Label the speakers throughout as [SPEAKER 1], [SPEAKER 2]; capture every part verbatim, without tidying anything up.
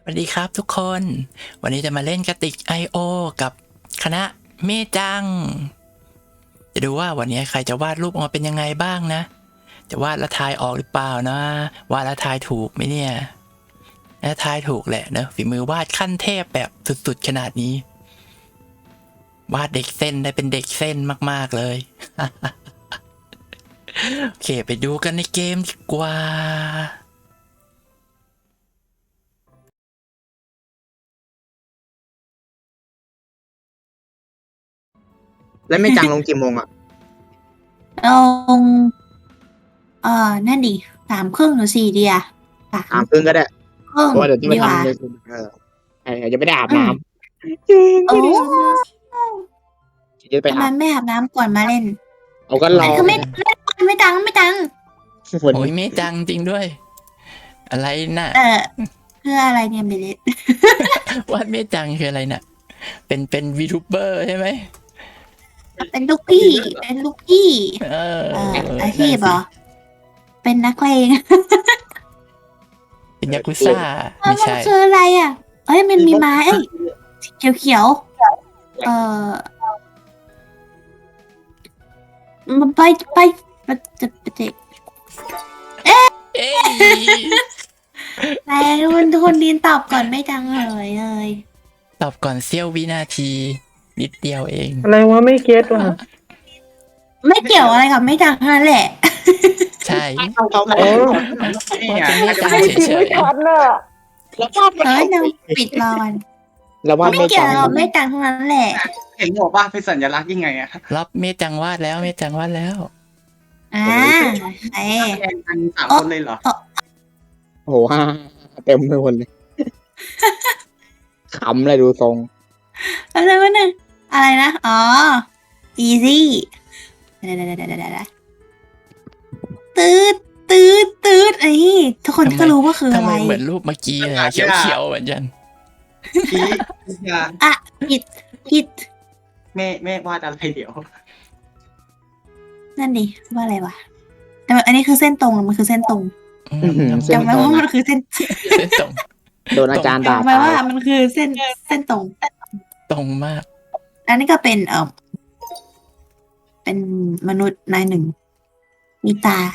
[SPEAKER 1] สวัสดีครับทุกคน วันนี้จะมาเล่นกระติก ไอ โอ กับคณะเมจัง จะดูว่าวันนี้ใครจะวาดรูปออกมาเป็นยังไงบ้างนะ จะวาดและทายออกหรือเปล่านะ วาดและทายถูกไหมเนี่ยและทายถูกแหละเนอะฝีมือวาดขั้นเทพแบบสุดๆขนาดนี้ วาดเด็กเส้นได้เป็นเด็กเส้นมากๆเลย โอเคไปดูกันในเกมดีกว่า
[SPEAKER 2] แล้วไม่จังลงกี่โมงอ่ะ
[SPEAKER 3] ลงเออนั่นดิสามครึ่งหรือสี่เดียสา
[SPEAKER 2] สาม มครึ่งก็ได้
[SPEAKER 3] ครึ่ง
[SPEAKER 2] เพราะว่าเดี๋ยวต้องไป
[SPEAKER 3] ดีกว่า
[SPEAKER 2] ทำเลยเออใช่ยังไม่ได้อาบน้
[SPEAKER 3] โอ้
[SPEAKER 2] ำจะไป
[SPEAKER 3] ทำไม
[SPEAKER 2] อาบ
[SPEAKER 3] ไม่อาบน้ำก่อนมาเล่น
[SPEAKER 2] เอาก็รอ
[SPEAKER 3] อันคือไม่ไม่ตังไม่ตัง
[SPEAKER 2] วัน
[SPEAKER 1] โอ้ย
[SPEAKER 2] นี้
[SPEAKER 1] เมจังจริงด้วย อะไรน่ะ
[SPEAKER 3] เออเพื่ออะไรเนี่ยเบลเลต
[SPEAKER 1] วาดเมจังคืออะไรน่ะ เป็นเป็นวีทูเบอร์ใช่ไหม
[SPEAKER 3] เป็นลูกพี่เป็นลูกพี่
[SPEAKER 1] เออ
[SPEAKER 3] เอออาชีพเหรอเป็นนักเลง
[SPEAKER 1] เป็นยากุซ่า
[SPEAKER 3] มั
[SPEAKER 1] ไม่
[SPEAKER 3] น
[SPEAKER 1] ใช่
[SPEAKER 3] คืออะไรอ่ะเอ้ยมันมีไม้เอ้ยเขียวเขียวๆเออมันไปไปไปจะไปเจ
[SPEAKER 1] เอ้ย
[SPEAKER 3] แต่คนคนดินตอบก่อนไม่จังเลยเลย
[SPEAKER 1] ตอบก่อนเสี้ยววินาที นิดเดียวเอง
[SPEAKER 4] อะไรวะไม่เก็ตว่ะ
[SPEAKER 3] ไม่เกี่ยวอะไรกับไม่จังนั่นแหละ
[SPEAKER 1] ใช่
[SPEAKER 2] เอาเขา
[SPEAKER 4] โอ้
[SPEAKER 1] วาดเป็นเมจังเฉย
[SPEAKER 4] ทันน่ะ
[SPEAKER 2] แล้ววาด
[SPEAKER 3] เฮ้ยเราปิดรอกัน
[SPEAKER 2] แล้ววาด
[SPEAKER 3] ไม่
[SPEAKER 2] ไม่
[SPEAKER 3] เกี่ย
[SPEAKER 2] จั
[SPEAKER 3] ว
[SPEAKER 2] ง
[SPEAKER 3] กับไม่จังทั้งนั้นแหละ
[SPEAKER 5] เห็นบอกว่าเป็นสัญลักษณ์ยังไงอะ
[SPEAKER 1] ๆรับเมจังวาดแล้วเมจังวาดแล้ว
[SPEAKER 3] อ่าไอ้
[SPEAKER 5] แทนกันสามคนเลยเหรอ
[SPEAKER 2] โอ้โหห้าเต็มไปหมดเลยขำเลยดูทรง
[SPEAKER 3] อะไรวะเนี่ยอะไรนะอ๋อ easy เดี๋ยวเดี๋ยวเดี๋ยวเดี๋ยวเดี๋ยวตืดตืดตืดไอ้ทุกคนก็รู้ว่าคือ
[SPEAKER 1] ทำ
[SPEAKER 3] อะ
[SPEAKER 1] ไม
[SPEAKER 3] ไร
[SPEAKER 1] เหมือนรูปเมื่อกี้เลยเขียวๆเหมือนกัน
[SPEAKER 5] พี่ยา
[SPEAKER 3] อ่ะผิดผิด
[SPEAKER 5] แม่แม่วาดอะไรเดี๋ยว
[SPEAKER 3] นั่นดิว่าอะไรวะแต่อันนี้คือเส้นตรงมันคือเส้นตรง
[SPEAKER 1] อืม
[SPEAKER 2] เส้น
[SPEAKER 3] จำไว้
[SPEAKER 2] ตรง
[SPEAKER 3] ว่ามันคือเส้น
[SPEAKER 1] เส้นตรง
[SPEAKER 2] โดนอาจารย์ด่า
[SPEAKER 3] จำไว้
[SPEAKER 2] ตา
[SPEAKER 3] ว่าย มันคือเส้นเส้นตรง
[SPEAKER 1] ตรงมาก
[SPEAKER 3] อันนี้ก็เป็นเออเป็นมนุษย์นายหนึ่ง มีตา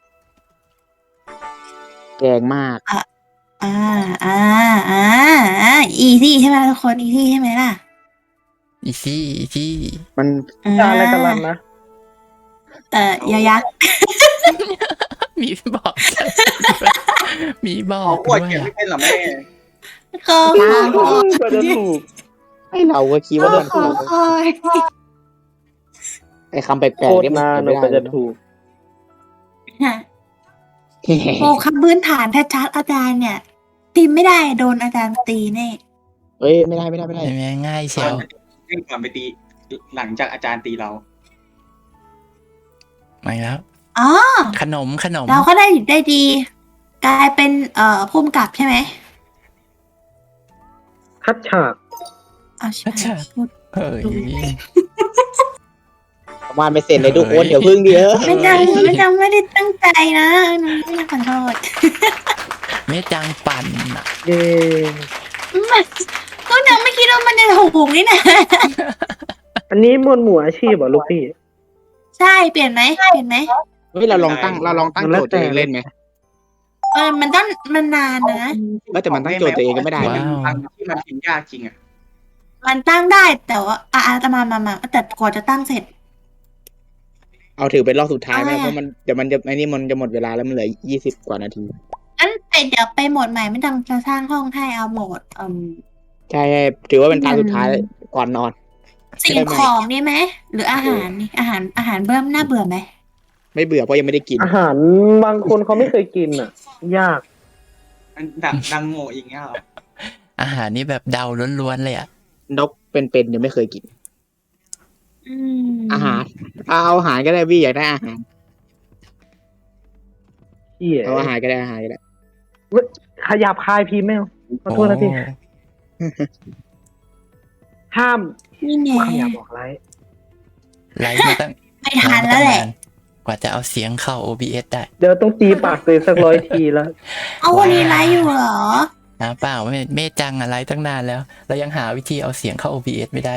[SPEAKER 2] แกงมาก
[SPEAKER 3] อ่า อ่า อ่า อ่า อีซี่ใช่ไหมทุกคน อีซี่ใช่ไหมล่ะ
[SPEAKER 1] อีซี่อีซี่
[SPEAKER 2] มัน
[SPEAKER 3] อ่า
[SPEAKER 4] จานอะไรกันลันนะ
[SPEAKER 3] เอ่อยอยักษ์
[SPEAKER 1] มีบอก มีบอ
[SPEAKER 5] ขอก อวด
[SPEAKER 1] ด้วย
[SPEAKER 5] เขียน
[SPEAKER 1] อะ
[SPEAKER 5] ไม่เป็นเหรอแม่
[SPEAKER 3] ก็
[SPEAKER 4] กว่าจะถูก
[SPEAKER 2] ให้เราก็คิดว่ามัน
[SPEAKER 3] ขอคอย
[SPEAKER 2] ไอ้คำแปล
[SPEAKER 4] โค
[SPEAKER 2] กๆ
[SPEAKER 4] ตร
[SPEAKER 2] นี่มัน
[SPEAKER 4] นาน
[SPEAKER 2] ไม่
[SPEAKER 4] กว่า
[SPEAKER 2] ได้
[SPEAKER 4] จะถูก
[SPEAKER 3] โอ้คำพื้นฐานชัดๆอาจารย์เนี่ย ตีไม่ได้โดนอาจารย์ตีแน่
[SPEAKER 2] เฮ้ยไม่ได้ไม่ได้ไม่ได้
[SPEAKER 1] ใช่ไหมง่ายเชียว
[SPEAKER 5] เล่นก่อนไปตี หลังจากอาจารย์ตีเรา
[SPEAKER 1] มาแล้ว
[SPEAKER 3] อ๋อ
[SPEAKER 1] ขนมขนม
[SPEAKER 3] เราก็ได้ได้ดี กลายเป็นเอ่อพุ่มกับใช่ไหม
[SPEAKER 4] คัดฉาก
[SPEAKER 3] อ๋อใช่พูด
[SPEAKER 1] เฮ้ย
[SPEAKER 2] วาดไม่เสร็จเลยทุกคนเดี๋ยวพึ่งเดียว
[SPEAKER 3] ไม่จังไม่จังไม่ได้ตั้งใจนะไม่ได้ขอโทษ
[SPEAKER 1] เมจังปั่นอะ
[SPEAKER 4] เย้
[SPEAKER 3] มันก็ยังไม่คิดว่ามันจะถูกนี่นะ
[SPEAKER 4] อันนี้หมวดหมู่อาชีพเหรอลูกพี่
[SPEAKER 3] ใช่เปลี่ยนไหมเปลี่ยนไหม
[SPEAKER 2] เฮ้ยเราลองตั้งเราลองตั้งโจทย์ตัวเองเล่นไหม
[SPEAKER 3] เออมันต้องมันนานนะ
[SPEAKER 2] ไม่แต่มันตั้งโจทย์ตัวเองก็ไม่ได้
[SPEAKER 5] ที่
[SPEAKER 2] นะ
[SPEAKER 5] มันที่มันพิมพ์ยากจริงอะ
[SPEAKER 3] มันตั้งได้แต่ว่าอ่ะอ่ะจะมามามาแต่กว่าจะตั้งเสร็จ
[SPEAKER 2] เอาถือเป็นรอบสุดท้ายไหม
[SPEAKER 3] อะไรอะ
[SPEAKER 2] เพราะมันเดี๋ยวมันจะไอ้นี่มันจะหมดเวลาแล้วมันเหลือยี่สิบกว่านาที
[SPEAKER 3] งั้นแต่เดี๋ยวไปโหมดใหม่ไม่ต้องจะสร้างห้องให้เอาโหมดอืม
[SPEAKER 2] ใช่ถือว่าเป็นตาสุดท้ายก่อนนอน
[SPEAKER 3] สิ่งของนี่ไหมหรืออาหารนี่อาหารอาหารเบิ่มน่าเบื่อไหม
[SPEAKER 2] ไม่เบื่อเพราะยังไม่ได้กิน
[SPEAKER 4] อาหารบางคนเขาไม่เคยกินอ่ะ ยาก
[SPEAKER 5] มันดังดังโง่อย่างเงี้ยเหรอ
[SPEAKER 1] อาหารนี่แบบเดาล้วนๆเลยอ่ะ
[SPEAKER 2] นกเป็นๆยังไม่เคยกิน
[SPEAKER 3] อืม
[SPEAKER 2] อาหารเอาอาหารก็ได้พี่อยากได้อาหาร
[SPEAKER 4] เหี้ย
[SPEAKER 2] เอาอาหารก็ได้อาหารก็ได้
[SPEAKER 4] ขยับคายพีไม่เอาขอโทษนะพี่ ห้าม
[SPEAKER 3] นี่ไง
[SPEAKER 4] ขยับบอกไร
[SPEAKER 1] ไลฟ์มาตั้ง
[SPEAKER 3] ไม่ทันแล้วแหละ
[SPEAKER 1] กว่าจะเอาเสียงเข้า โอ บี เอส ได้
[SPEAKER 4] เดี๋ยวต้องตีปากตัวเองสักร้อยทีแล้ว
[SPEAKER 3] เอาวันนี้ไลฟ์อยู่เหรอ
[SPEAKER 1] หาเปล่าเมเมจังอะไรตั้งนานแล้ว เรายังหาวิธีเอาเสียงเข้า โอ บี เอส ไม่ได้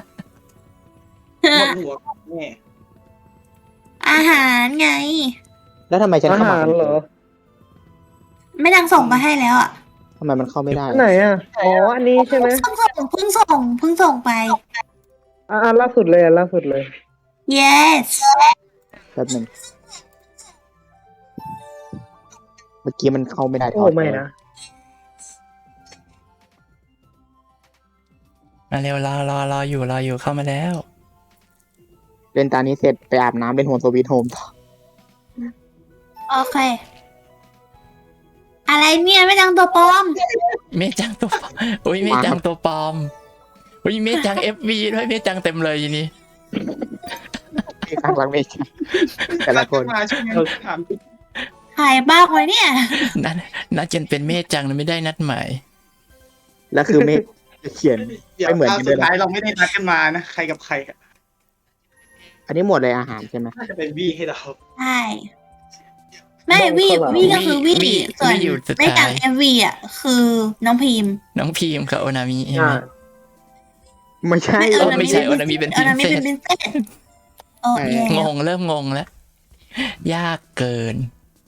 [SPEAKER 5] หมดหัวของแม่
[SPEAKER 3] อาหารไง
[SPEAKER 2] แล้วทำไมฉัน
[SPEAKER 4] อา
[SPEAKER 2] เข้า
[SPEAKER 4] หา
[SPEAKER 2] มา
[SPEAKER 4] รเหรอ
[SPEAKER 3] ไม่ดังส่งมาให้แล้วอ่ะ
[SPEAKER 2] ทำไมมันเข้าไม่ได้
[SPEAKER 4] ไหนอ่ะอ๋ออันนี้ใช่ไหม
[SPEAKER 3] เพิ่งส่งเพิ่งส่งเพิ่งส่งไป
[SPEAKER 4] อ่าล่าสุดเลยอ่ะล่าสุดเลย
[SPEAKER 3] yes
[SPEAKER 2] แป๊บหนึงเมื่อกี้มันเข้าไม่ได้
[SPEAKER 4] โอ้ไม่นะ
[SPEAKER 1] มาเร็วรอรอรออยู่รออยู่เข้ามาแล้ว
[SPEAKER 2] เล่นตานี้เสร็จไปอาบน้ำเป็นโฮมสวีทโฮมต่อ
[SPEAKER 3] โอเค อะไรเนี่ยไม่ดังตัวปลอม
[SPEAKER 1] เมจังตัวปลอมอุ้ยเมจังตัวปลอมอุ้ยเมจัง เอฟ วี ด้วยเมจังเต็มเลยทีนี้
[SPEAKER 2] ที่ข้างหลังไม่ใช่แต่ละคน
[SPEAKER 5] มาใช่ไหมถามจริง
[SPEAKER 3] หายบ้าไว้เนี่ย
[SPEAKER 1] นัดนัดจนเป็นเมจังนะไม่ได้นัดหมาย
[SPEAKER 2] แล้วคือไม่เขียน
[SPEAKER 5] เดี๋ยว
[SPEAKER 2] ไม่เหมือน
[SPEAKER 5] คราว
[SPEAKER 2] กัน
[SPEAKER 5] สุ
[SPEAKER 2] ด้วย
[SPEAKER 5] ด
[SPEAKER 2] นะ
[SPEAKER 5] ท้ายเราไม่ได้นัดกันมานะใครกับใครอะ
[SPEAKER 2] อันนี้หมดเลยอาหารใช่ไหม
[SPEAKER 5] น่าจะเป็นบี้ให้เรา
[SPEAKER 3] ใช่ ไม่วี่วี่ก็คือวี่
[SPEAKER 1] วี่
[SPEAKER 3] ส่วน
[SPEAKER 1] วี่อยู่สุดท้าย
[SPEAKER 3] ไม่ดังเอฟวีอ่ะ คือน้องพิมพ์
[SPEAKER 1] น้องพีมกับโอนามิใช่ไหม
[SPEAKER 4] อ่า
[SPEAKER 2] ไม่ใช่
[SPEAKER 1] เออไม่ใช่โอนามิเป็น
[SPEAKER 3] โอนามิเป็น
[SPEAKER 1] princess
[SPEAKER 3] พินเซสโอ้ย
[SPEAKER 1] งงเริ่มงงแล้ว ยากเกิน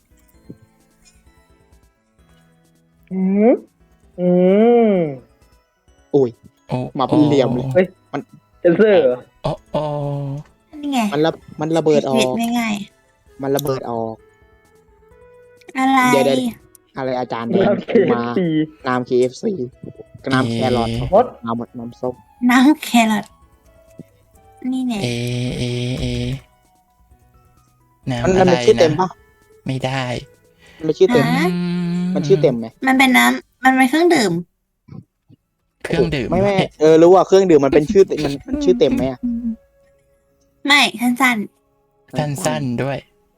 [SPEAKER 4] อืมอืม
[SPEAKER 2] อุ้ย
[SPEAKER 1] โอ้
[SPEAKER 2] มาเป็นเหลี่ยมเลย
[SPEAKER 4] เฮ้ย
[SPEAKER 2] มัน
[SPEAKER 4] เซนเซอร์เหรอ
[SPEAKER 1] โอ้โอ้
[SPEAKER 3] นี่ไง
[SPEAKER 2] มันระมันระเบิดออ
[SPEAKER 3] ผิ
[SPEAKER 2] ก
[SPEAKER 3] ไม่ง่าย
[SPEAKER 2] มันระเบิดออก
[SPEAKER 3] อะไร
[SPEAKER 2] เดี๋ยวเดี๋ยว อะไรอาจารย์แดง
[SPEAKER 4] แล้วเค
[SPEAKER 2] มา
[SPEAKER 4] ซี
[SPEAKER 2] น้ำ เค เอฟ ซี น้ำแครอท
[SPEAKER 4] มด
[SPEAKER 2] น้ำน้ำส้ม
[SPEAKER 3] น้ำแครอทนี่ไง
[SPEAKER 1] เอเอเอ
[SPEAKER 2] มัน
[SPEAKER 1] น้ำ
[SPEAKER 2] มั
[SPEAKER 1] อะ
[SPEAKER 2] น
[SPEAKER 1] ไร
[SPEAKER 2] เป็นชื่อเต็ม
[SPEAKER 1] นะ
[SPEAKER 2] ปะ
[SPEAKER 1] ไม่ได้
[SPEAKER 2] มันเป็นชื่อเต็ม
[SPEAKER 3] ฮะ
[SPEAKER 1] อื
[SPEAKER 2] มันชื่อเต็มไหม
[SPEAKER 3] มันเป็นน้ำมันเป็นเครื่องดื่ม
[SPEAKER 1] เครื่องดื่ม
[SPEAKER 2] ไม่ไม่เออรู้ว่าเครื่องดื่มมันเป็นชื่อมันมันชื่อเต็มไหมอะ
[SPEAKER 3] ไม่สั้น
[SPEAKER 1] สั้นๆด้วย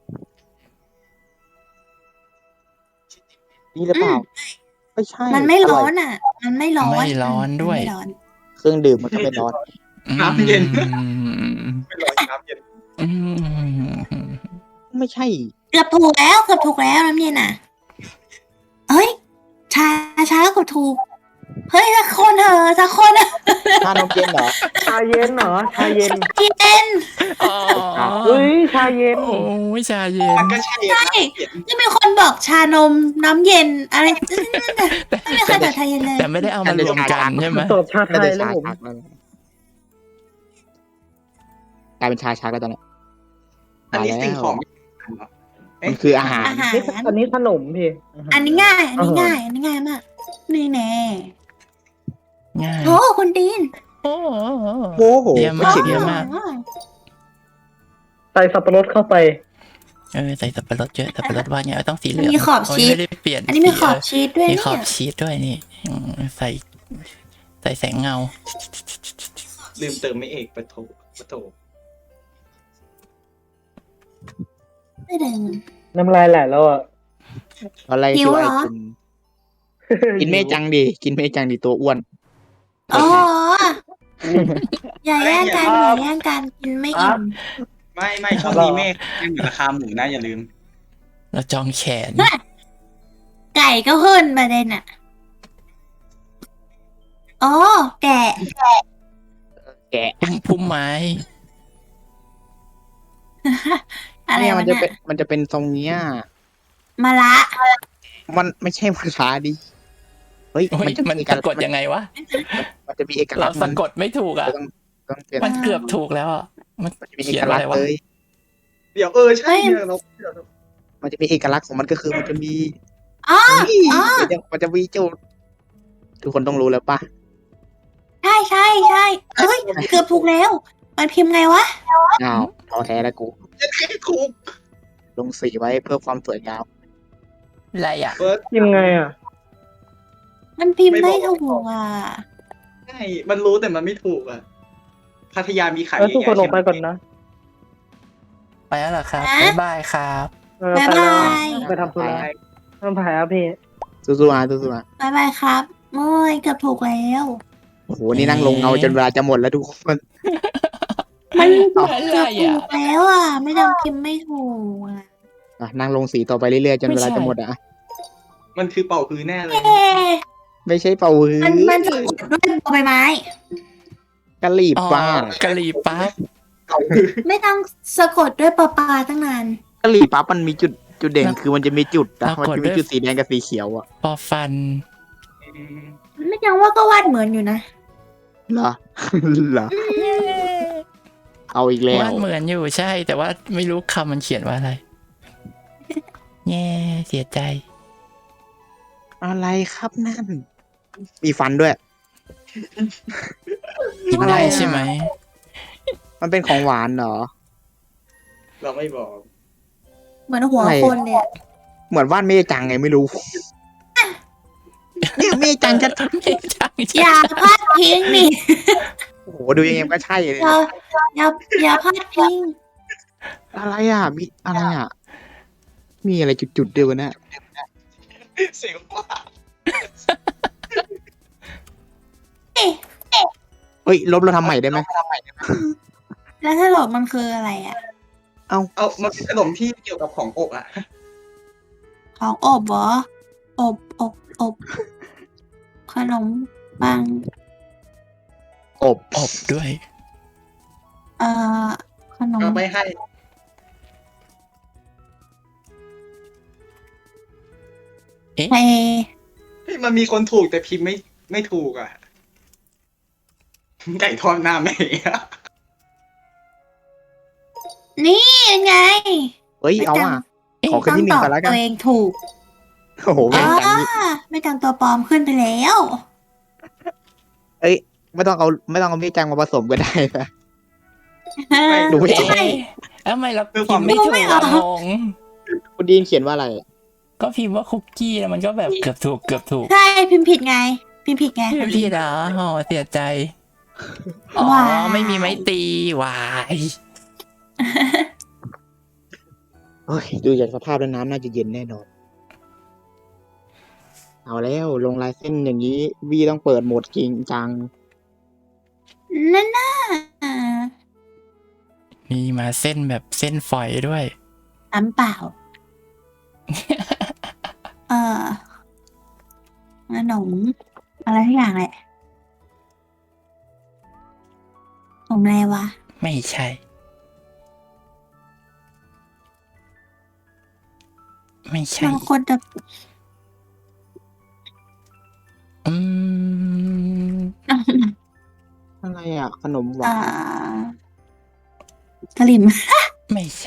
[SPEAKER 2] นี่หรือเปล่าไม่ใช่
[SPEAKER 3] ๆมันไม่ร้อ
[SPEAKER 2] ร่
[SPEAKER 3] น
[SPEAKER 2] ย
[SPEAKER 3] อ่ะ มันไม่ร้อน
[SPEAKER 1] ไม่ร้อนด้วย
[SPEAKER 3] มัไม่ร้อน
[SPEAKER 2] เครื่องดื่มมันก็ไม่ร้อน
[SPEAKER 5] น้ำเย็น
[SPEAKER 1] อืม
[SPEAKER 5] ไม่ร้อนน้ำเย็น
[SPEAKER 1] อืม
[SPEAKER 2] ไม่ใช่
[SPEAKER 3] เกือบถูกแล้วเกือบถูกแล้วน้ำเย็นอ่ะเฮ้ยชาชาแล้วเกือบถูก เฮ้ยสักคนเถอะสักคนอะ
[SPEAKER 2] ชานมเย็นเหรอ
[SPEAKER 4] ชาเย็นเหรอ ชาเย็น
[SPEAKER 3] เย็น
[SPEAKER 1] อ๋อ
[SPEAKER 4] เฮ้ย ชาเย็น
[SPEAKER 1] โอ้ยชาเย็น
[SPEAKER 5] มันก็ใช่
[SPEAKER 3] ใช่
[SPEAKER 5] นะเย็น
[SPEAKER 3] ที่มีคนบอกชานมน้ำเย็นอะไรไม่มีใครบอกชาเย็นเลย
[SPEAKER 1] แต่ไม่ได้เอามารวมกันใช่ไหม
[SPEAKER 4] ตอบชาไท
[SPEAKER 2] น่าย จะ
[SPEAKER 4] แล้ว
[SPEAKER 2] ชา
[SPEAKER 4] ผม
[SPEAKER 2] ชักแล้วกลายเป็นชาชักแล้วตอนนี้
[SPEAKER 5] อันนี้สิ่งของเหรอ
[SPEAKER 2] มันคืออาหาร
[SPEAKER 3] อาหาร
[SPEAKER 4] นี่อันนี้ขนมพี่าหาร
[SPEAKER 3] อันนี้ง่าย อันนี้ง่าย อันนี้ง่ายมาก นี่แน่
[SPEAKER 1] ง่าย
[SPEAKER 3] โอ้คุณดีน
[SPEAKER 1] โอ้โห
[SPEAKER 2] โอ้โห
[SPEAKER 1] เยี่ยม
[SPEAKER 2] ไม่
[SPEAKER 1] มาก
[SPEAKER 2] ขิง
[SPEAKER 1] เยี่ยมมาก
[SPEAKER 4] ใส่สับปะรดเข้าไป
[SPEAKER 1] เออใส่สับปะรดเยอะสับปะรดว่าไงต้องสีเหลือง
[SPEAKER 3] มีขอบ
[SPEAKER 1] โย
[SPEAKER 3] ชีส
[SPEAKER 1] ไม่ได้เปลี่ยน
[SPEAKER 3] อันนี้มีขอบ
[SPEAKER 1] สี
[SPEAKER 3] ชีสด้วย
[SPEAKER 1] เออมี
[SPEAKER 3] เนี่
[SPEAKER 1] ขอบ
[SPEAKER 3] ย
[SPEAKER 1] ชีสด้วยนี่อืมใส่ ใส่แสงเงา
[SPEAKER 5] ลืมเติมไม่เอกปะโถปะโถ
[SPEAKER 3] ไม่เดิน
[SPEAKER 4] น้ำลายไหลแล้วอ่ะ
[SPEAKER 2] อะไร
[SPEAKER 3] หิ
[SPEAKER 2] คือ
[SPEAKER 3] วเหร
[SPEAKER 2] ไอ
[SPEAKER 3] อ
[SPEAKER 2] กิน กินเมจังดี กินเมจังดีตัวอ้วน
[SPEAKER 3] อ๋ออย่าแย่งกันอย่าแย่งกันกินไม่อิ่ม
[SPEAKER 5] ไม่ไม่ช่วงนี้เมฆยังเหมือนราคาหมูนะอย่าลืม
[SPEAKER 1] แล้วจองแขน
[SPEAKER 3] ไก่ก็ขึ้นประเด็นอ่ะอ๋อแกะ
[SPEAKER 2] แกะ
[SPEAKER 1] พุ่มพุ่มไม้
[SPEAKER 3] อะไร
[SPEAKER 2] เนี่ยมั
[SPEAKER 3] วะ
[SPEAKER 2] นจะ
[SPEAKER 3] น่ะ
[SPEAKER 2] เป็นมันจะเป็นทรงเนี้ย
[SPEAKER 3] มะละ
[SPEAKER 2] มันไม่ใช่ภาษาดิเฮ้ย
[SPEAKER 1] โอ้ย
[SPEAKER 2] มันจะ
[SPEAKER 1] มัน
[SPEAKER 2] มี
[SPEAKER 1] สะกดยังไงวะ
[SPEAKER 2] มันจะมีเอกลั
[SPEAKER 1] เรา
[SPEAKER 2] กษณ์
[SPEAKER 1] สะ
[SPEAKER 2] มัน
[SPEAKER 1] กดไม่ถูกอ่ะ
[SPEAKER 2] ต้องต้องเปลี่ยน
[SPEAKER 1] มันเกือบถูกแล้วอ่ะ มัน
[SPEAKER 2] มันจะมีเอ
[SPEAKER 1] เขีย
[SPEAKER 2] ก
[SPEAKER 1] น
[SPEAKER 2] ลั
[SPEAKER 1] อะ
[SPEAKER 2] ก
[SPEAKER 1] ไร
[SPEAKER 2] ษณ์
[SPEAKER 1] วะ
[SPEAKER 2] เลย
[SPEAKER 5] เดี๋ยวเออใช่เนี่ยเรา
[SPEAKER 2] มันจะมีเอกลักษณ์ของมันก็คือมันจะมี
[SPEAKER 3] อ๋อ
[SPEAKER 2] นี่
[SPEAKER 3] อ๋อ
[SPEAKER 2] มันจะมันจะมีจุดทุกคนต้องรู้แล้วป่ะ
[SPEAKER 3] ใช่ใช่ใช่เอ้ยเกือบถูกแล้ว มันพิมพ์ไงวะ
[SPEAKER 2] อ้าวท้อแท้แล้วกู
[SPEAKER 5] จะให้ถูก
[SPEAKER 2] ลงสีไว้เพื่อความสวยงาม
[SPEAKER 1] อะไรอ่ะ
[SPEAKER 5] เฟิร์ส
[SPEAKER 4] ยังไงอ่ะ
[SPEAKER 3] มันพิมพ์ไม่ถูกอ่ะ
[SPEAKER 5] ใช่มันรู้แต่มันไม่ถูกอ่ะพัทยามีขาย
[SPEAKER 4] แล้วทุกคนออก
[SPEAKER 5] เย
[SPEAKER 4] ไป
[SPEAKER 5] อะแยะ
[SPEAKER 4] ก่อนนะ
[SPEAKER 1] ไปแล้วเหรอครับ
[SPEAKER 3] ฮะ
[SPEAKER 1] บ๊ายบายครับ
[SPEAKER 4] เออไปแล้ว
[SPEAKER 3] บ๊ายบาย
[SPEAKER 4] ไปทำธุระทำแผลอ่ะพี่
[SPEAKER 2] สู้ๆอ่ะสู้ๆอ่ะ
[SPEAKER 3] บายบายครับโอ้ยเกือบถูกแล้ว
[SPEAKER 2] โอ้โหนี่นั่งลงเงาจนเวลาจะหมดแล้วทุกคน
[SPEAKER 3] มันเกือบ
[SPEAKER 1] อะไร
[SPEAKER 3] ถู
[SPEAKER 1] อ่ะ
[SPEAKER 3] กแล้วอ่ะ ไม่ต้องพิมพ์ไม่ถูกอ่ะ
[SPEAKER 2] อ่ะนั่งลงสีต่อไปเรื่อยๆจนเวลา
[SPEAKER 1] ไม่ใช่
[SPEAKER 2] จะหมดอ่ะ
[SPEAKER 5] มันคือเป่าคือแน่เลย
[SPEAKER 3] เอ๊ะ
[SPEAKER 2] ไม่ใช่เป่าฮื้
[SPEAKER 3] มันมัน
[SPEAKER 2] อ
[SPEAKER 3] สะกดด้วยบอใบไม้
[SPEAKER 2] กะหรี่
[SPEAKER 1] อ๋อ
[SPEAKER 2] ป้าก
[SPEAKER 1] ะหรี่ปั๊บ
[SPEAKER 3] ไม่ต้องสะกดด้วยปอปลาตั้งนาน
[SPEAKER 2] กะหรี่ปั๊บมันมีจุดจุดเด่น
[SPEAKER 1] แล้ว
[SPEAKER 2] คือมันจะมีจุดนะ
[SPEAKER 1] แล้ว
[SPEAKER 2] มัน
[SPEAKER 1] กด
[SPEAKER 2] จะ
[SPEAKER 1] ด้
[SPEAKER 2] มี
[SPEAKER 1] วย
[SPEAKER 2] จุดสีแดงกับสีเขียวอะ
[SPEAKER 1] ปอฟัน
[SPEAKER 3] ไม่ยังว่าก็วาดเหมือนอยู่นะ
[SPEAKER 2] เหรอ เหรอเอาอีกแล้ว
[SPEAKER 1] วาดเหมือนอยู่ใช่ แต่ว่าไม่รู้คำมันเขียนว่าอะไรแย่เสียใจ
[SPEAKER 2] อะไรครับนั่น มีฟันด้วย
[SPEAKER 1] กินได้ใช่ไหม
[SPEAKER 2] มันเป็นของหวานเหรอ
[SPEAKER 5] เราไม่บอก
[SPEAKER 3] เหมือนหัว
[SPEAKER 2] อะไร
[SPEAKER 3] คนเลยอะ
[SPEAKER 2] เหมือนวาดเมจังไงไม่รู้ เนี่ยเมจังจะ
[SPEAKER 1] ไม่ใช่
[SPEAKER 3] อย่าพลาดพิงนี่
[SPEAKER 2] โอ้โหดูยังไงก็ใช่เลย
[SPEAKER 3] อย่าอย่าอย่าพลาดพิง
[SPEAKER 2] อะไรอ่ะ มีอะไรอ่ะ มีอะไรจุดๆเดียวกันนะ
[SPEAKER 5] เสียงว่า
[SPEAKER 2] เฮ้ย ลบเราทำใหม่ได้ไหม
[SPEAKER 3] แล้วถ้าหลบมันคืออะไรอ่ะ
[SPEAKER 5] เอามันเป็นขนมที่เกี่ยวกับของอบอ่ะ
[SPEAKER 3] ของอบเหรออบอบอบขนมปัง
[SPEAKER 2] อบ
[SPEAKER 1] อบด้วย
[SPEAKER 3] เอ่อขนม
[SPEAKER 5] ก็ไม่ให้
[SPEAKER 3] เท
[SPEAKER 5] เฮ้ยมันมีคนถูกแต่พิมพ์ไม่ไม่ถูกอ่ะ ไก่ทอดหน้าแม่อะ
[SPEAKER 3] นี่ไง
[SPEAKER 2] เฮ้ย เอาอ่ะ ขอขึ้น
[SPEAKER 3] ต้อง
[SPEAKER 2] ที่หนึ่
[SPEAKER 3] ต
[SPEAKER 2] ง
[SPEAKER 3] อบ
[SPEAKER 2] กันแล้วกัน
[SPEAKER 3] ตัวเองถูก
[SPEAKER 2] โอ้โหเม
[SPEAKER 3] อ่า
[SPEAKER 2] จังนี่
[SPEAKER 3] ไม่จังตัวปลอมขึ้นไปแล้ว
[SPEAKER 2] เอ้ย ไม่ต้องเอา ไม่ต้องเอาเมจังมาผสมก็ได้นะ ดูไม่
[SPEAKER 1] เอ๊
[SPEAKER 2] ออก
[SPEAKER 1] ะเอ้าทำไมเราพิมพ์ไม่ถูกอะงง
[SPEAKER 2] คุณดีนเขียนว่าอะไร
[SPEAKER 1] ก็พิมพ์ว่าคุกกี้แล้วมันก็แบบเกือบถูกเกือบถูก
[SPEAKER 3] ใช่พิมพ์ผิดไง พิมพ์ผิดไง
[SPEAKER 1] พิมพ์ผิดเหรออ๋อเสียใจ อ๋อ
[SPEAKER 3] ว้าย
[SPEAKER 1] ไม่มีไม้ตีวาย
[SPEAKER 2] เฮ้ย ดูจากสภาพแล้วน้ำน่าจะเย็นแน่นอน เอาแล้วลงลายเส้นอย่างนี้ วีต้องเปิดโหมดจริงจัง
[SPEAKER 3] นั่นน่ะ
[SPEAKER 1] มีมาเส้นแบบเส้นฝอยด้วย
[SPEAKER 3] น้ำเปล่า เออขนมอะไรทุกอย่างแหละขนมอะไรวะ
[SPEAKER 1] ไม่ใช่ ไม่ใช่
[SPEAKER 3] บางคนจะ
[SPEAKER 1] อืม
[SPEAKER 2] อะไรอ่ะ ขนมหวา
[SPEAKER 3] อ่าน สลิม
[SPEAKER 1] ไม่ใช่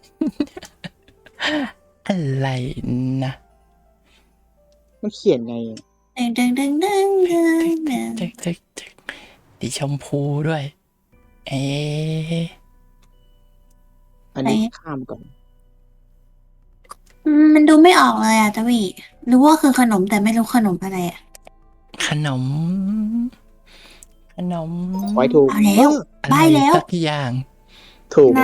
[SPEAKER 1] อะไรนะ
[SPEAKER 2] มันเขียนไง
[SPEAKER 3] ดึงดึงดึงดึงดึงดึง
[SPEAKER 1] ตึกตึกตึกสีชมพูด้วย เอ๊ะ
[SPEAKER 2] อันนี้ข้ามก่อน
[SPEAKER 3] อืมมันดูไม่ออกเลยอ่ะตะวีรู้ว่าคือขนมแต่ไม่รู้ขนมอะไรอ่ะ
[SPEAKER 1] ขนม ขนม
[SPEAKER 2] ไว้ถูก
[SPEAKER 3] เอาแล้ว
[SPEAKER 1] อะไร
[SPEAKER 3] ใบ้แล้ว
[SPEAKER 1] สักอย่าง
[SPEAKER 2] ถูก
[SPEAKER 3] น้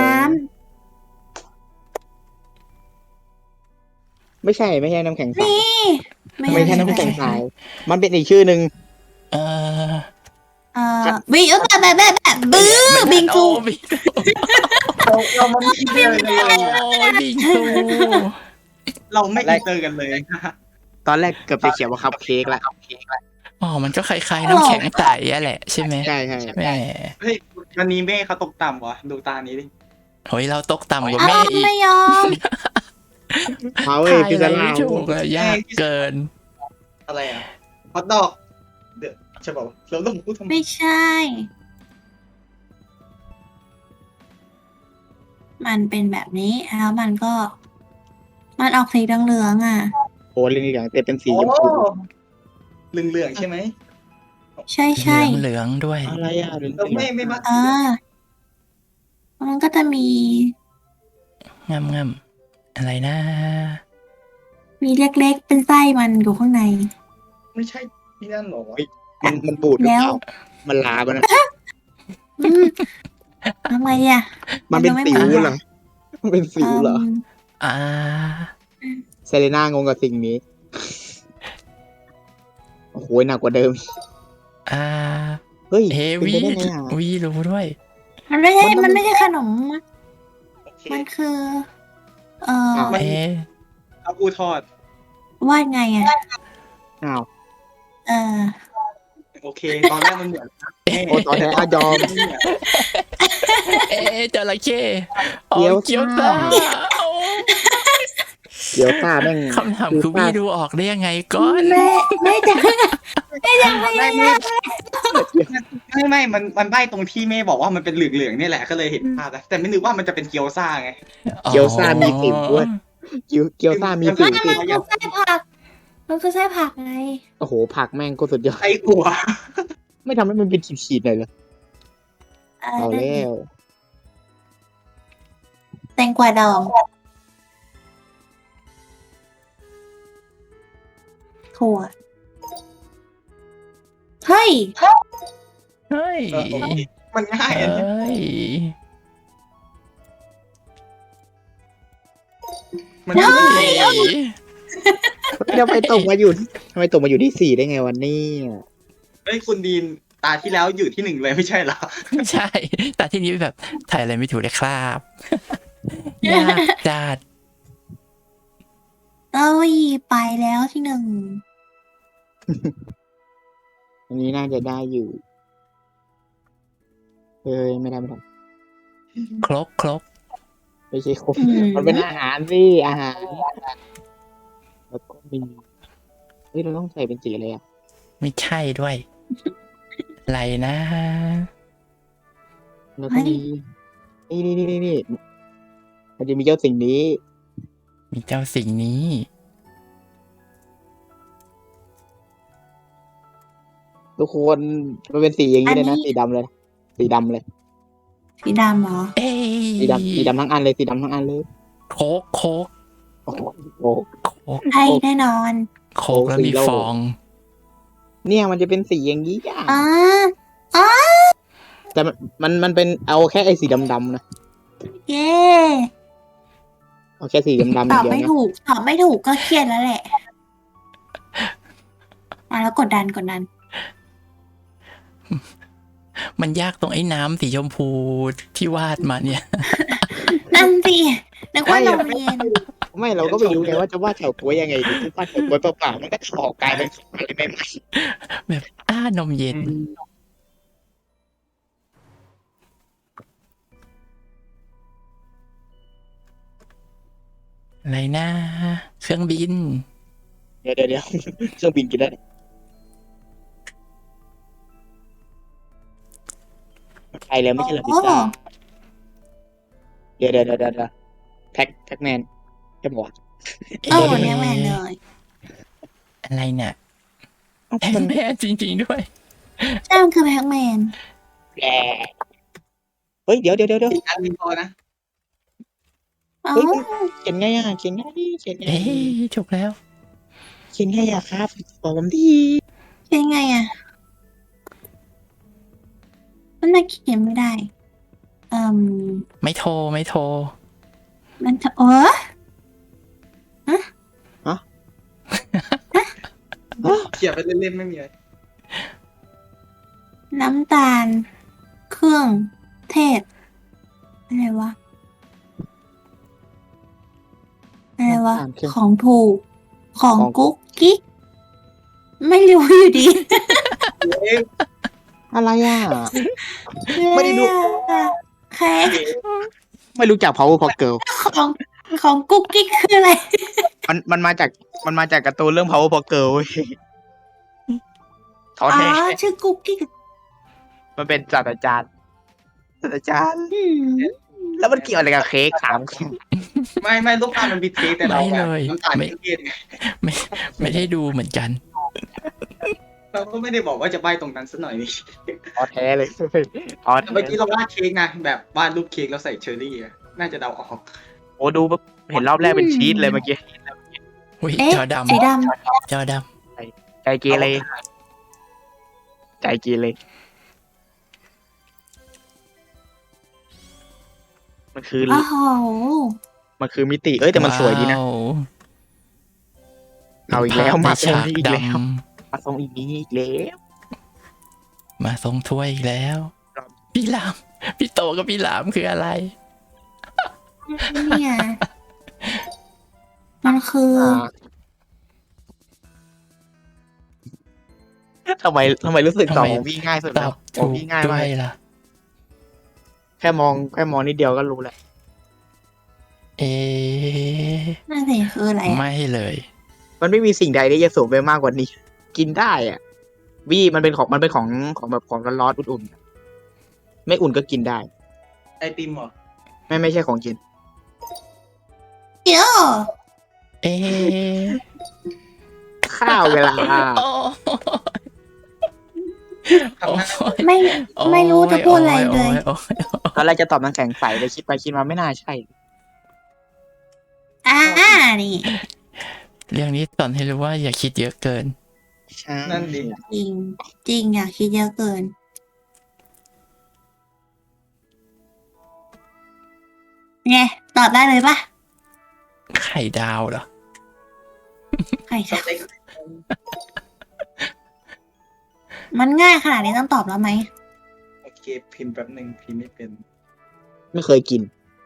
[SPEAKER 2] ไม่ใช่ ไม่ใช่น้ำแข็ง
[SPEAKER 3] ำ
[SPEAKER 2] ใส
[SPEAKER 3] นี่
[SPEAKER 2] ไม่ใช่น้ำแข็งใสมันเป็นอีกชื่อหนึ่ง
[SPEAKER 1] เออ
[SPEAKER 3] เอ่อวิวแบบแบบแบบแบบบื้อบิงซู
[SPEAKER 1] โอ้บิงซู
[SPEAKER 5] เราเราไม่อินเตอร์กันเลย
[SPEAKER 1] โอ้บิงซู
[SPEAKER 5] เราไม่อินเตอร์กันเลย
[SPEAKER 2] ตอนแรกเกือบจะเขียนว่าคัพเค้กละ
[SPEAKER 1] อ๋อ มันก็คล้ายๆน้ำแข็งใสอะแหละใช่ไหม
[SPEAKER 2] ใช่ใช่
[SPEAKER 1] แหม่
[SPEAKER 5] เฮ้ยวันนี้แม่เขาตกต่ำวะดูตานี้ดิ
[SPEAKER 1] โอ้ยเราตกต่ำกว่า
[SPEAKER 3] อ้า
[SPEAKER 1] แม่
[SPEAKER 3] ว
[SPEAKER 1] อีก
[SPEAKER 3] ไม่ยอม
[SPEAKER 2] เอาเว้ย
[SPEAKER 1] ทาย
[SPEAKER 2] พิ
[SPEAKER 1] อะ
[SPEAKER 2] ซ
[SPEAKER 1] ไร
[SPEAKER 2] ซ่า
[SPEAKER 1] ไม่ถูกเลยยากเกิน
[SPEAKER 5] อะไรอ่ะฮอตดอกเดี๋ยวใช่ป่าวเราต้องพูดทำไม
[SPEAKER 3] ไม่ใช่ มันเป็นแบบนี้แล้วมันก็ มันออกสีเหลืองๆอ่ะ
[SPEAKER 2] โอ้เรื่องอย่างแต่เป็นสี
[SPEAKER 5] โอ้
[SPEAKER 2] ชมพู
[SPEAKER 5] เหลืองเหลืองๆใช่ไหม
[SPEAKER 3] ใช่ใช่
[SPEAKER 1] เหลืองๆด้วย
[SPEAKER 2] อะไรอ่ะเรื่อง
[SPEAKER 5] เราไม่ไม่มา
[SPEAKER 3] เออมันก็จะมี
[SPEAKER 1] งามงามๆอะไรนะ
[SPEAKER 3] มีเล็กๆ เป็นไส้มันอยู่ข้างใน
[SPEAKER 5] ไม่ใช่ที่นั่นหรอวะ
[SPEAKER 2] มันมันบูดหรือ
[SPEAKER 3] แล้
[SPEAKER 2] เป
[SPEAKER 3] ว
[SPEAKER 2] ล่ามันลาไปนะ
[SPEAKER 3] อืมทำไมอ่ะ
[SPEAKER 2] มันเป็น
[SPEAKER 3] ไม่
[SPEAKER 2] สิว
[SPEAKER 3] หมื
[SPEAKER 2] เหรอมันเป็นสิวเหรอ
[SPEAKER 3] ม
[SPEAKER 1] อ่า
[SPEAKER 2] เซเลน่างงกับสิ่งนี้ โอ้โหหนักกว่าเดิม
[SPEAKER 1] อ่า
[SPEAKER 2] เฮ้ย
[SPEAKER 1] เอ
[SPEAKER 2] เป็น
[SPEAKER 1] วี
[SPEAKER 2] ไปได้ไงอ่ะ
[SPEAKER 1] วีรู้ด้วย
[SPEAKER 3] มันไม่ใช่
[SPEAKER 2] มันต้อง
[SPEAKER 3] มันไม่ใช่ขนม
[SPEAKER 5] โอเค
[SPEAKER 3] มันคือ เอ่อ
[SPEAKER 5] มัน
[SPEAKER 1] เอ๊ะ
[SPEAKER 5] เอาปูทอด
[SPEAKER 3] วาดไงอ่ะ
[SPEAKER 2] อ้าว
[SPEAKER 3] เออ
[SPEAKER 5] โอเค ตอนแรกมันเหมือนแม่
[SPEAKER 2] โอ้ตอนแท้อายอม
[SPEAKER 1] เอ๊ะจระเข้อ๋อ
[SPEAKER 2] เกี๊ยว
[SPEAKER 1] เกี๊ยว
[SPEAKER 2] ซ่า
[SPEAKER 1] ซ่าโอ้
[SPEAKER 2] เกี๊ยวซ่าแม่ง
[SPEAKER 1] คำถามคือวี่ดูออกได้ยังไงก่อน
[SPEAKER 3] แม่แม่จังแม่จังพยายาม
[SPEAKER 5] ไม่ไม่มันมันใบ้ตรงที่แม่บอกว่ามันเป็นเหลืองๆเนี่ยแหละก็เลยเห็นภาพแล้วแต่ไม่นึกว่ามันจะเป็นเกี๊ยวซ่าไง
[SPEAKER 2] เกี๊ยวซ่ามีสิวด้วย เกี๊ยวเกี๊ยวซ่ามีสิว
[SPEAKER 3] ไม่
[SPEAKER 2] สิ
[SPEAKER 3] มันคือไส้ผัก มันคือไส้ผักไง
[SPEAKER 2] โอ้โหผักแม่งก็สุดยอด
[SPEAKER 5] ไอ้กลัว
[SPEAKER 2] ไม่ทำให้มันเป็นขีดๆหน่อยเหรอ
[SPEAKER 3] เอ
[SPEAKER 2] เอา
[SPEAKER 3] อ
[SPEAKER 2] แล้ว
[SPEAKER 3] แตงกวาดองถั่วเฮ้ย
[SPEAKER 1] เฮ้ย
[SPEAKER 5] เออโอเคมันง่าย
[SPEAKER 1] เฮ
[SPEAKER 5] อันเนี้ย้
[SPEAKER 1] ย
[SPEAKER 5] มัน
[SPEAKER 1] เฮ้
[SPEAKER 5] ง่าย
[SPEAKER 1] ย
[SPEAKER 2] ทำไมตกมาอยู่ทำไมตกมาอยู่ที่สี่ได้ไงวันนี้
[SPEAKER 5] เฮ้ยคุณดีนตาที่แล้วอยู่ที่หนึ่งเลยไม่ใช่เหรอ
[SPEAKER 1] ไม่ใช่ แต่ที่นี้แบบถ่ายอะไรไม่ถูกเลยครับ ยากจัด
[SPEAKER 3] เต้ยไปแล้วที่หนึ่ง
[SPEAKER 2] อันนี้น่าจะได้อยู่เอ้ยไม่ได้ไม่ได้
[SPEAKER 1] ครกครก
[SPEAKER 2] ไม่ใช่ครบ
[SPEAKER 3] อืม
[SPEAKER 2] มันเป็นอาหารสิอาหาร แล้วก็มีเฮ้ยเราต้องใส่เป็นสีอะไรอ่ะ
[SPEAKER 1] ไม่ใช่ด้วย อะไรนะ
[SPEAKER 2] แล้วก็มีนี่นี่นี่นี่นี่มันจะมีเจ้าสิ่งนี้
[SPEAKER 1] มีเจ้าสิ่งนี้
[SPEAKER 2] ทุกคนมันเป็นสีอย่างนี้เลยนะสีดำเลย สีดำเลย
[SPEAKER 3] สีดำเหรอ
[SPEAKER 1] เอ้ย
[SPEAKER 2] สีดำสีดำทั้งอันเลยสีดำทั้งอันเลย
[SPEAKER 1] โคกโคก
[SPEAKER 2] โอ้โห
[SPEAKER 1] โคก
[SPEAKER 3] ใช่แน่นอน
[SPEAKER 1] โคกแล้วมีฟอง
[SPEAKER 2] เนี่ยมันจะเป็นสีอย่างนี้อ่ะ
[SPEAKER 3] อ๋ออ๋อ
[SPEAKER 2] แต่มันมันมันเป็นเอาแค่ไอ้สีดำๆนะ
[SPEAKER 3] เย้
[SPEAKER 2] เอาแค่สีดำๆอ
[SPEAKER 3] ต
[SPEAKER 2] ย่า
[SPEAKER 3] อง บ
[SPEAKER 2] เดียว
[SPEAKER 3] ไม่
[SPEAKER 2] นะ
[SPEAKER 3] ถูก ตอบไม่ถูกก็เครียดแล้วแหละ มาแล้วกดดันกดดัน
[SPEAKER 1] มันยากตรงไอ้น้ำสีชมพูที่วาดมาเนี่ย
[SPEAKER 3] นั่นสินึกว่านมเย็น
[SPEAKER 2] ไม่เราก็ไม่รู้ไงว่าจะวาดเฉาก๊วยยังไงดีที่วาดเฉาก๊วยเปล่าๆมันก็ออกกลายเป็นอะไรไม่ไม่
[SPEAKER 1] แบบอ้านมเย็น อะไรนะ เครื่องบิน
[SPEAKER 2] เดี๋ยวเดี๋ยวเดี๋ยวเครื่องบินกินได้ไปแล้วไม่ใช่เหรอพิซซ่าเดี๋ยวเดี๋ยวเดี๋ยวเดี๋ยวแท็กแท็กแมนจะบอก
[SPEAKER 3] เออแม่แม่เลย
[SPEAKER 1] อะไรเนี่ยแพ
[SPEAKER 2] มัน
[SPEAKER 1] นแม่จริง ๆ ด้วย
[SPEAKER 3] ใช่มันคือแพ็กแมน
[SPEAKER 2] แย่เฮ้ยเดี๋ยวเดี๋ยวเดี๋ยวเดี๋ยว
[SPEAKER 5] อันนี้พอนะ
[SPEAKER 3] อ๋อ
[SPEAKER 2] เฮ้ยเขียนไงอ่ะเขียนไงเขียนไง
[SPEAKER 1] เอ้ยถูกแล้ว
[SPEAKER 2] เขียนไงอ่ะครับบอกผมที
[SPEAKER 3] เป็นไงอ่ะ มันน่าเขียนไม่ได้เอ่ม
[SPEAKER 1] ไม่โทรไม่โทร
[SPEAKER 3] มันจะเออ
[SPEAKER 5] เขียนไปเล่นๆไม่มีอะไร
[SPEAKER 3] น้ำตาล เครื่อง เทศ อะไรวะ อะไรวะ ของถูก ของกุ๊กกิ๊ก ไม่รู้อยู่ดี
[SPEAKER 5] เอ๊ะ
[SPEAKER 2] อะไรอ่ะ ไม่ได้ดู
[SPEAKER 3] แค่
[SPEAKER 2] ไม่รู้จัก power pop girl
[SPEAKER 3] ของของกุ๊กกิ๊กคืออะไร
[SPEAKER 2] มันมันมาจากมันมาจากการ์ตูนเรื่อง power pop girl เว้ยท้อ
[SPEAKER 3] อ๋อ
[SPEAKER 2] แท้
[SPEAKER 3] ชื่อกุ๊กกิ๊ก
[SPEAKER 2] มันเป็นศาสตราจารย์ศาสตราจารย์
[SPEAKER 3] อืม
[SPEAKER 2] แล้วมันเกี่ยวอะไรกับเค้กถาม
[SPEAKER 5] ไม่ไม่ลูกตาลมันมีเทสแต่เรา
[SPEAKER 1] ไม่
[SPEAKER 5] แบบ
[SPEAKER 1] เลย
[SPEAKER 5] น้ำตาล
[SPEAKER 1] ไม่
[SPEAKER 5] เครียดไง
[SPEAKER 1] ไม่ไม่ได้ดูเหมือนกัน
[SPEAKER 5] เราก็ไม่ได้บอกว่าจะใบ้ตรงนั้นสักหน่อยนี่
[SPEAKER 2] ท้อแท้เลยท้อ
[SPEAKER 5] แต่
[SPEAKER 2] แท้
[SPEAKER 5] เมื่อกี้เราวาดเค้กนะแบบวาดรูปเค้กแล้วใส่เชอร์รี่อะน่าจะเดาออก
[SPEAKER 2] โอ้ดูแบบเห็นรอบแรกเป็นชีสเลยเมื่อกี้
[SPEAKER 1] อุ้ย
[SPEAKER 3] เอ๊ะ
[SPEAKER 1] จอด
[SPEAKER 3] สีด
[SPEAKER 1] ำจอด
[SPEAKER 2] ใจเกเรใจเกเรมันคือ
[SPEAKER 3] ำโอ้โห
[SPEAKER 2] มันคือมิติเอ้ย
[SPEAKER 1] ำ
[SPEAKER 2] แต่มันสวยดีนะ
[SPEAKER 1] ว้าว
[SPEAKER 2] เอาอีกแล้ว
[SPEAKER 1] ภพ
[SPEAKER 2] มา
[SPEAKER 1] ใน
[SPEAKER 2] ทรง
[SPEAKER 1] ฉาก
[SPEAKER 2] นี้อีก
[SPEAKER 1] ด
[SPEAKER 2] แล้วมาทรงอีกนี้อีกแล้ว
[SPEAKER 1] ำมาทรงถ้วยอีกแล้ว พี่หลามพี่โตกับพี่หลามคืออะไร
[SPEAKER 3] เนี่ยมันคือ
[SPEAKER 2] อ่าทำไมทำไมรู้สึกตอบ
[SPEAKER 1] ทำไม
[SPEAKER 2] ของพี่ง่ายสุด
[SPEAKER 1] ต
[SPEAKER 2] แล้
[SPEAKER 1] อ
[SPEAKER 2] ว
[SPEAKER 1] บ
[SPEAKER 2] ขอ
[SPEAKER 1] ถู
[SPEAKER 2] ง
[SPEAKER 1] ก
[SPEAKER 2] พี่ง่าย
[SPEAKER 1] ด้
[SPEAKER 2] มา
[SPEAKER 1] ว
[SPEAKER 2] ก
[SPEAKER 1] ยล่ะ
[SPEAKER 2] แค่มองแค่มองนิดเดียวก็รู้แล้ว
[SPEAKER 1] เอ๊ะ
[SPEAKER 3] นั่นสิคืออะไรอะ
[SPEAKER 1] ไม่เลย
[SPEAKER 2] มันไม่มีสิ่งใดที่จะสูงไปมากกว่านี้ กินได้อ่ะวี่มันเป็นของมันเป็นของของแบบของร้อนๆอุ่นๆไม่อุ่นก็กินได้
[SPEAKER 5] ไอติมเหรอ
[SPEAKER 2] ไม่ไม่ใช่ของกิน
[SPEAKER 3] เดี๋ยว
[SPEAKER 1] เอ๊ะ
[SPEAKER 2] ข้าวเวลา
[SPEAKER 1] โอ้
[SPEAKER 5] ทำหน้า
[SPEAKER 3] ไม่ไม่รู้จะพูดอะไรเลย
[SPEAKER 1] โอ้ยโอ้ยโอ้ย
[SPEAKER 2] ตอนแรกจะตอบน้ำแข็งใสแต่คิดไปคิดมาไม่น่าใช่
[SPEAKER 3] อ่านี่
[SPEAKER 1] เรื่องนี้สอนให้รู้ว่าอย่าคิดเยอะเกิน
[SPEAKER 2] ใช่
[SPEAKER 5] นั่นดิ
[SPEAKER 3] จริง จริงอ่ะคิดเยอะเกิน ไง ตอบได้เลยปะ
[SPEAKER 1] ไข่ดาวเหรอ
[SPEAKER 3] ใครจะมันง่ายขนาดนี้ต้องตอบแล้วไหม
[SPEAKER 5] โอเคพิมพ์แป๊บหนึ่งพิมพ์ไม่เป็น
[SPEAKER 2] ไม่เคยกิน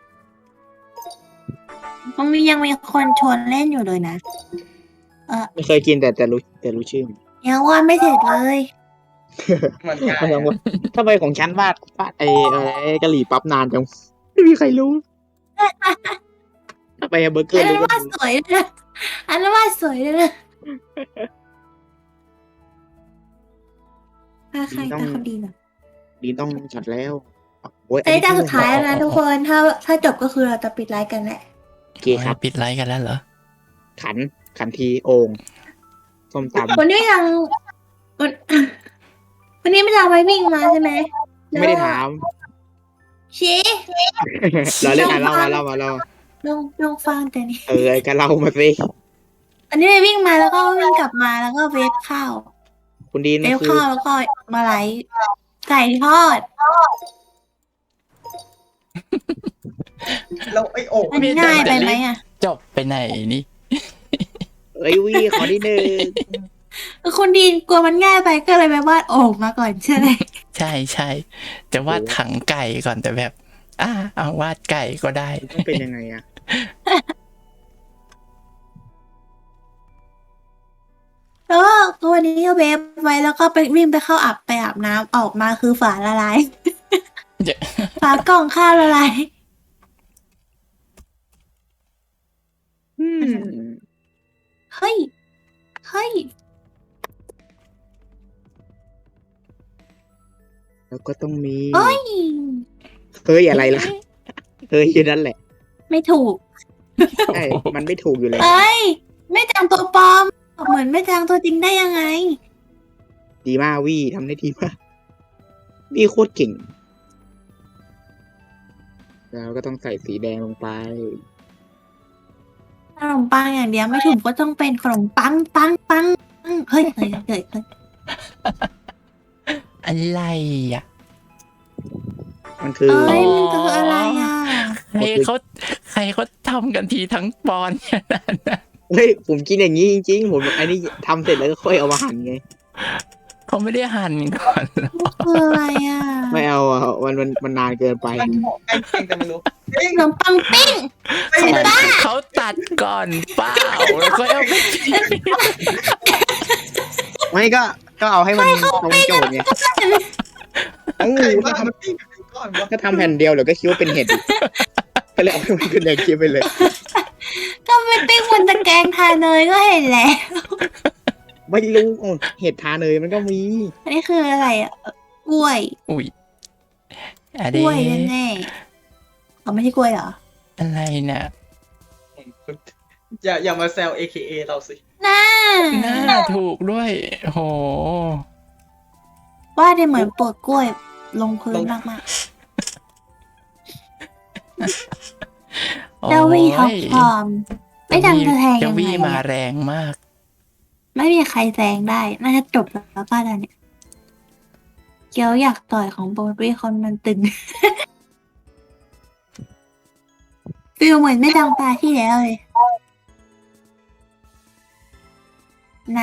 [SPEAKER 3] มันมียังมีคนชวนเล่นอยู่เลยนะ
[SPEAKER 2] ไม่เคยกินแต่แต่รู้แต่รู้ชื่อ
[SPEAKER 3] ยังว่าดไม่เสร็จเลย
[SPEAKER 5] มันง่าย
[SPEAKER 2] ไม่ต้องว่าทำไมของฉันวาดวาดไอ้อะไรกะหรี่ปั๊บนานจังไม่มีใครรู้ทำไมเบอร์เกอ
[SPEAKER 3] อั
[SPEAKER 2] ร์
[SPEAKER 3] นนั้
[SPEAKER 2] รู้
[SPEAKER 3] นว่าดสวยเลยนะอันนั้นว่าดสวยเลยนะถ้าใครตาคนดีเหรอ
[SPEAKER 2] ดีต้องจัดแล้วโอ้ย
[SPEAKER 3] อันนี้ตาสุดท้ายแล้วนะทุกคน ถ้าถ้าจบก็คือเราจะปิดไลฟ์กันแหละ
[SPEAKER 2] โอเคครับ
[SPEAKER 1] ปิดไลฟ์กันแล้วเหรอ
[SPEAKER 2] ขันขันทีโอ่งส้มตำ
[SPEAKER 3] วันนี้ยังวันวันนี้ไม่ได้เอาไว้วิ่งมาใช่ไหม
[SPEAKER 2] ไม่ได้ถาม
[SPEAKER 3] ชี้
[SPEAKER 2] เราเล่นอ่ะเล่ามาเล่ามาเล่ามา
[SPEAKER 3] ลองลองฟังแต่นี่
[SPEAKER 2] เออไอ้ก็เล่ามาสิ
[SPEAKER 3] อันนี้ไปวิ่งมาแล้วก็วิ่งกลับมาแล้วก็เวฟข้าว
[SPEAKER 2] คุณดีน
[SPEAKER 3] เว
[SPEAKER 2] มัน
[SPEAKER 3] ฟ
[SPEAKER 2] คือ
[SPEAKER 3] ข้าวแล้วก็มาไลฟ์ไก่ทอด
[SPEAKER 5] แล้วไอโอ่ง
[SPEAKER 3] มันง่ายไปไหมอ่ะ
[SPEAKER 1] จบไปไหนนี่
[SPEAKER 2] เอ้ยวีขอที่หนึ่ง
[SPEAKER 3] คุณดีนกลัวมันง่ายไปก็เลยไปวาดโอ่งมาก่อนใช่ไหม
[SPEAKER 1] ใช่ใช่จะวาดถังไก่ก่อนแต่แบบ อ่าเอาวาดไก่ก็ได้
[SPEAKER 2] มันเป็นยังไงอ่ะ
[SPEAKER 3] แล้วก็ตัวนี้ก็เวฟไว้แล้วก็ไปวิ่งไปเข้าอาบไปอาบน้ำออกมาคือฝาละลาย
[SPEAKER 1] เดี๋ยว
[SPEAKER 3] ฝากล่องข้าวละลาย
[SPEAKER 2] อืม
[SPEAKER 3] เฮ้ย เฮ้ย
[SPEAKER 2] แล้วก็ต้องมี
[SPEAKER 3] เอ้ย
[SPEAKER 2] เฮ้ยอะไรล่ะเฮ้ยนั่นแหละ
[SPEAKER 3] ไม่ถูก
[SPEAKER 2] ใช่มันไม่ถูกอยู่แล้ว
[SPEAKER 3] เอ้ย ไม่จังตัวปลอม เหมือนไม่จังตัวจริงได้ยังไง
[SPEAKER 2] ดีมากวี่ทำได้ดีมากวี่โคตรเก่ง แล้วก็ต้องใส่สีแดงลงไป
[SPEAKER 3] ขนมปังอย่างเดียวไม่ถูกก็ต้องเป็นขนมปังปังปังปังเฮ้ยเฮ้ยเฮ้ยเฮ้ย
[SPEAKER 1] อะไรอ่ะ
[SPEAKER 2] มันคือ
[SPEAKER 3] เอ้ยมันคืออะไรอ่ะ
[SPEAKER 1] ใครเขาใครเขาทำกันทีทั้งปอนด์ขนาดนั้น
[SPEAKER 2] เฮ้ยผมกินอย่างนี้จริงๆ ผมไอ้นี่ทำเสร็จแล้วก็ค่อยเอามาหั่นไง
[SPEAKER 1] เขาไม่ได้หั่นก่อนเหรอ
[SPEAKER 3] คืออะไรอ่ะ
[SPEAKER 2] ไม่เอาอ่ะมันมันมันนานเกินไป
[SPEAKER 5] มันเหมาะใกล้เคียงแต่ไม่รู้เอ้ย
[SPEAKER 3] ขนมปังปิ้ง
[SPEAKER 5] ไม่
[SPEAKER 1] เขา
[SPEAKER 5] ได้
[SPEAKER 1] เขาตัดก่อนเปล่าแล้วก็เอาไปกิน
[SPEAKER 2] ไม่ก็ก็เอาให้มันตรงโจทย์ไงเอ้า
[SPEAKER 5] ใครว่ามันปิ้งเป็นก้อนวะ
[SPEAKER 2] ก็ทำแผ่นเดียวเดี๋ยวก็คิดว่าเป็นเห็ดอีกก็เลยเอาให้มันเป็นแดงเคี้ยวไปเลย
[SPEAKER 3] ก็ไปปิ้งบนตะแกรงทาเนยก็เห็นแล้ว
[SPEAKER 2] ไม่รู้โอ้เห็ดทาเนยมันก็มี
[SPEAKER 3] อันนี้คืออะไรอ่ะกล้วย
[SPEAKER 1] อุ้ยอะ
[SPEAKER 3] ก
[SPEAKER 1] เด
[SPEAKER 3] ล้วยแน่ๆเขาไม่ใช่กล้วยเหรอ
[SPEAKER 1] อะไรน่ะ
[SPEAKER 5] อย่าอย่ามาแซว เอ เค เอ เราสิ
[SPEAKER 3] น่า
[SPEAKER 1] น่าถูกด้วยโห
[SPEAKER 3] ว่าได้เหมือนปลดกล้วยลงพื้นมากๆเจ้าวี่ท็อปฟอร์มไม่ดังจะแทง
[SPEAKER 1] เจ้า
[SPEAKER 3] ยังไง
[SPEAKER 1] วี่มา
[SPEAKER 3] อะ
[SPEAKER 1] แรงมาก
[SPEAKER 3] ไม่มีใครแซงได้ น่าจะจบแล้วป้าตอนเนี้ยเกียวอยากต่อยของโบวี่คนมันตึง ฟิลเหมือนไม่ดังตาที่แล้วเลย น้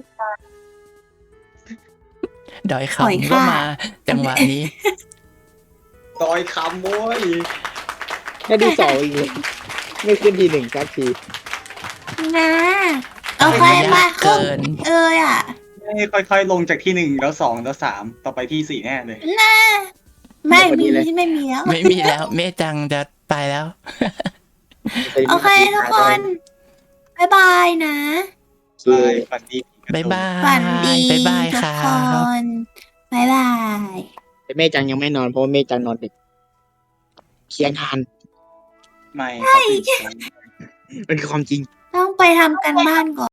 [SPEAKER 1] ดอย
[SPEAKER 3] ปล่อย
[SPEAKER 1] คำก็
[SPEAKER 3] ค่ะ
[SPEAKER 1] มาจังหวะนี้
[SPEAKER 5] ดอยคำโว้ย
[SPEAKER 2] แค่ที่สองอีกเลยไม่ขึ้นทีหนึ่งสักที
[SPEAKER 3] ำนะเอาไป
[SPEAKER 1] ย
[SPEAKER 3] มา
[SPEAKER 1] ากเกิน
[SPEAKER 3] เอออ่ะ
[SPEAKER 5] ไม่ค่อยๆลงจากที่หนึ่งแล้วสองแล้วสามต่อไปที่สี่แน่เลย
[SPEAKER 3] น่าไม่
[SPEAKER 2] พอดี
[SPEAKER 3] มี
[SPEAKER 2] เลย
[SPEAKER 3] ไม่มีแล้ว
[SPEAKER 1] ไม่มีแล้วเมจังจะไปแล้ว
[SPEAKER 3] โอเคทุกคนบายบายนะ
[SPEAKER 2] คื
[SPEAKER 5] บา
[SPEAKER 2] อย
[SPEAKER 5] ฝันดี
[SPEAKER 1] บ๊ายบาย
[SPEAKER 3] ฝันดี
[SPEAKER 1] บ๊ายบาย
[SPEAKER 3] ทุก
[SPEAKER 1] ค่ะ
[SPEAKER 3] คนบายบาย
[SPEAKER 2] แต่แม่จังยังไม่นอนเพราะว่าแม่จังนอนดึกเคียงทาน
[SPEAKER 5] ไม่เขาตื่น
[SPEAKER 2] มันคือความจริง
[SPEAKER 3] ต้องไปทำกันบ้านก่อน